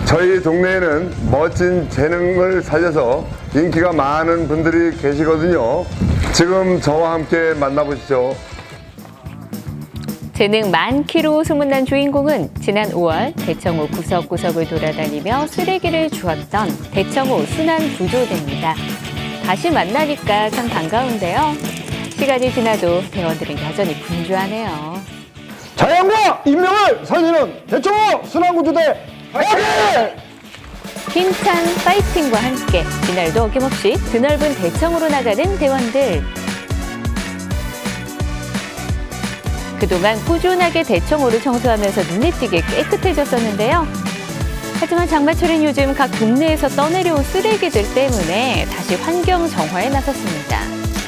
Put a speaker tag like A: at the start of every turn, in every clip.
A: 저희 동네에는 멋진 재능을 살려서 인기가 많은 분들이 계시거든요. 지금 저와 함께 만나보시죠.
B: 재능 많기로 소문난 주인공은 지난 5월 대청호 구석구석을 돌아다니며 쓰레기를 주웠던 대청호 순환구조대입니다. 다시 만나니까 참 반가운데요. 시간이 지나도 대원들은 여전히 분주하네요.
C: 자연과 인명을 살리는 대청호 순환구조대 파이팅!
B: 힘찬 파이팅과 함께 이날도 어김없이 드넓은 대청호로 나가는 대원들. 그동안 꾸준하게 대청호를 청소하면서 눈에 띄게 깨끗해졌었는데요. 하지만 장마철인 요즘 각 동네에서 떠내려온 쓰레기들 때문에 다시 환경 정화에 나섰습니다.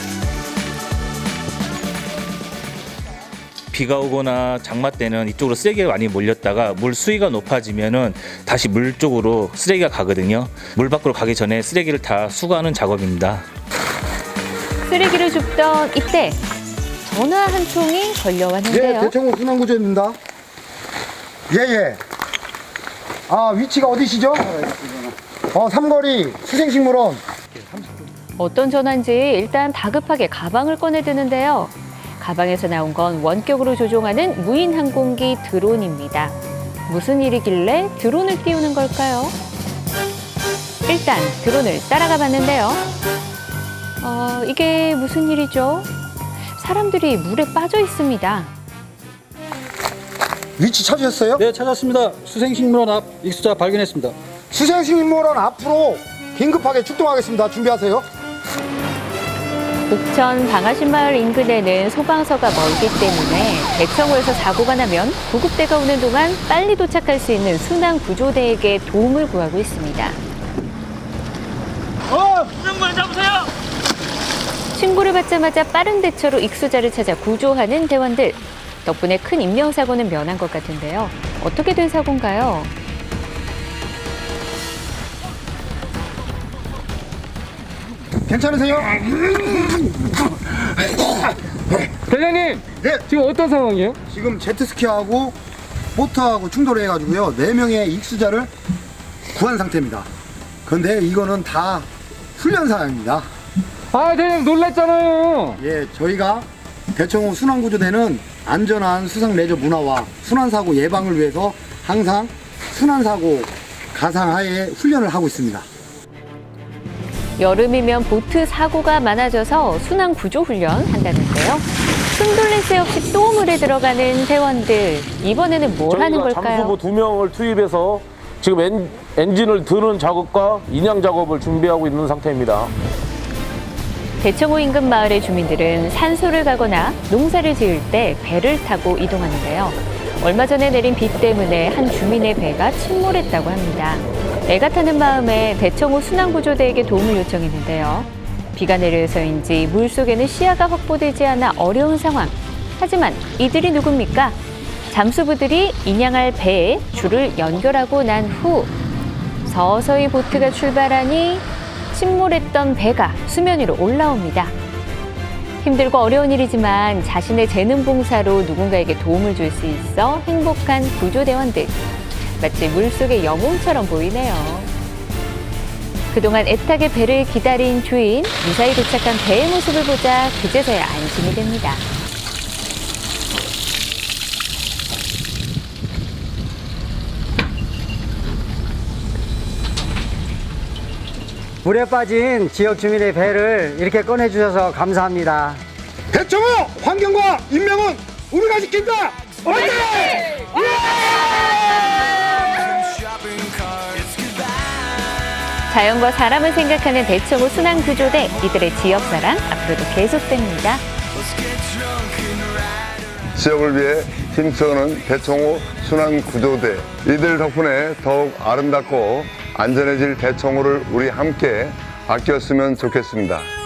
D: 비가 오거나 장마 때는 이쪽으로 쓰레기가 많이 몰렸다가 물 수위가 높아지면은 다시 물 쪽으로 쓰레기가 가거든요. 물 밖으로 가기 전에 쓰레기를 다 수거하는 작업입니다.
B: 쓰레기를 줍던 이때 전화 한 통이 걸려왔는데요.
C: 예, 대청호 순환구조입니다. 예. 아, 위치가 어디시죠? 삼거리 수생식물원.
B: 어떤 전화인지 일단 다급하게 가방을 꺼내드는데요. 가방에서 나온 건 원격으로 조종하는 무인 항공기 드론입니다. 무슨 일이길래 드론을 띄우는 걸까요? 일단 드론을 따라가 봤는데요. 이게 무슨 일이죠? 사람들이 물에 빠져 있습니다.
C: 위치 찾으셨어요?
E: 네, 찾았습니다. 수생식물원 앞 익수자 발견했습니다.
C: 수생식물원 앞으로 긴급하게 출동하겠습니다. 준비하세요.
B: 옥천 방아신마을 인근에는 소방서가 멀기 때문에 대청호에서 사고가 나면 구급대가 오는 동안 빨리 도착할 수 있는 순환구조대에게 도움을 구하고 있습니다.
D: 수정관 잡으세요!
B: 신고를 받자마자 빠른 대처로 익수자를 찾아 구조하는 대원들. 덕분에 큰 인명사고는 면한 것 같은데요. 어떻게 된 사고인가요?
C: 괜찮으세요?
E: 대장님,
C: 네.
E: 지금 어떤 상황이에요?
C: 지금 제트스키하고 보트하고 충돌을 해가지고요. 4명의 익수자를 구한 상태입니다. 그런데 이거는 다 훈련 사항입니다.
E: 아, 대장님 놀랐잖아요.
C: 예, 저희가 대청호 순환구조대는 안전한 수상 레저 문화와 순환사고 예방을 위해서 항상 순환사고 가상하에 훈련을 하고 있습니다.
B: 여름이면 보트 사고가 많아져서 순환구조 훈련 한다는데요. 숨돌릴 새 없이 또 물에 들어가는 대원들. 이번에는 뭘 하는 걸까요?
F: 잠수부 2명을 투입해서 지금 엔진을 드는 작업과 인양 작업을 준비하고 있는 상태입니다.
B: 대청호 인근 마을의 주민들은 산소를 가거나 농사를 지을 때 배를 타고 이동하는데요. 얼마 전에 내린 비 때문에 한 주민의 배가 침몰했다고 합니다. 애가 타는 마음에 대청호 순환구조대에게 도움을 요청했는데요. 비가 내려서인지 물속에는 시야가 확보되지 않아 어려운 상황. 하지만 이들이 누굽니까? 잠수부들이 인양할 배에 줄을 연결하고 난 후 서서히 보트가 출발하니 침몰했던 배가 수면 위로 올라옵니다. 힘들고 어려운 일이지만 자신의 재능 봉사로 누군가에게 도움을 줄 수 있어 행복한 구조대원들. 마치 물속의 영웅처럼 보이네요. 그동안 애타게 배를 기다린 주인, 무사히 도착한 배의 모습을 보자 그제서야 안심이 됩니다.
G: 물에 빠진 지역 주민의 배를 이렇게 꺼내주셔서 감사합니다.
C: 대청호 환경과 인명은 우리가 지킨다! 화이팅!
B: 자연과 사람을 생각하는 대청호 순환구조대, 이들의 지역사랑 앞으로도 계속됩니다.
A: 지역을 위해 힘쓰는 대청호 순환구조대. 이들 덕분에 더욱 아름답고 안전해질 대청호를 우리 함께 아꼈으면 좋겠습니다.